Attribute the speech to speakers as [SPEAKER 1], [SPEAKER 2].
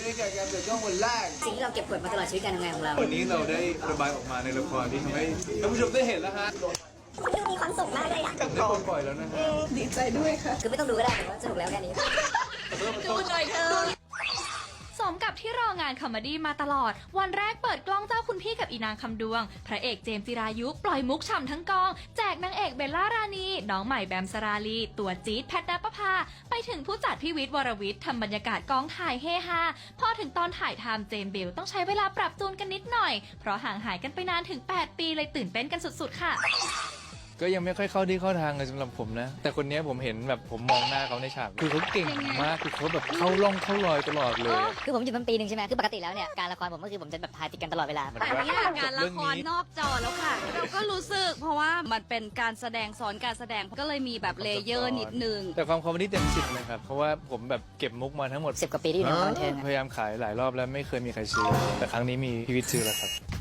[SPEAKER 1] กับการเปิดกล้องวันแรก
[SPEAKER 2] สิ่งที่เราเก็บกดมาตลอดชีวิตการทำงานของเรา
[SPEAKER 1] วันนี้เราได้ระบายออกมาในละครที่ทำให้ท่านผู้ชมได้เห็นแล้วฮะ
[SPEAKER 3] คุณดูมีความสุขมากเลยอะ
[SPEAKER 1] ได้ปล่อยแล้วนะฮะ
[SPEAKER 3] ดีใจด้วยค่ะ
[SPEAKER 2] คือไม่ต้องดูก็ได้แต่ว่าสนุกแล้วแค่นี้
[SPEAKER 3] ดูหน่อยเถอะ
[SPEAKER 4] สมกับที่รองานคอมเมดี้มาตลอด วันแรกเปิดกล้องเจ้าคุณพี่กับอีนางคำดวง พระเอกเจมส์จิรายุปล่อยมุกฉ่ำทั้งกอง แจกนางเอกเบลล่ารานี น้องใหม่แบมสราลี ตัวจี๊ดแพทณปภา ไปถึงผู้จัดพี่วิทย์วรวิทย์ทำบรรยากาศกองถ่ายเฮฮา พอถึงตอนถ่ายทำเจมส์เบลต้องใช้เวลาปรับจูนกันนิดหน่อย เพราะห่างหายกันไปนานถึง 8 ปีเลยตื่นเต้นกันสุดๆค่ะ
[SPEAKER 5] ก็ยังไม่ค่อยเข้าที่เข้าทางเลยสำหรับผมนะ แต่คนนี้ผมเห็นแบบผมมองหน้าเขาในฉาก คือเขาเก่งมาก คือเขาแบบเข้าร่องเข้ารอยตลอดเลย
[SPEAKER 2] คือผมอยู่มาปีหนึ่งใช่ไหมคือปกติแล้วเนี่ยการละครผมก็คือผมจะแบบถ่ายติดกันตลอดเวลา
[SPEAKER 5] มัน
[SPEAKER 6] แต่เนี่ยงานละครนอกจอแล้วค่ะ เราก็รู้สึกเพราะว่ามันเป็นการแสดงซ้อนการแสดงก็เลยมีแบบเลเยอร์นิดนึง
[SPEAKER 5] แต่ความคอมเมดี้เต็ม10เลยครับ เพราะว่าผมแบบเก็บมุกมาทั้งหมด
[SPEAKER 2] 10 กว่าปีที่อยู่ในวงการบันเทิงอะ
[SPEAKER 5] พยายามขายหลายรอบแล้วไม่เคยมีใครซื้อ แต่ครั้งนี้มีพี่วิทย์ซื้อแล้วครับ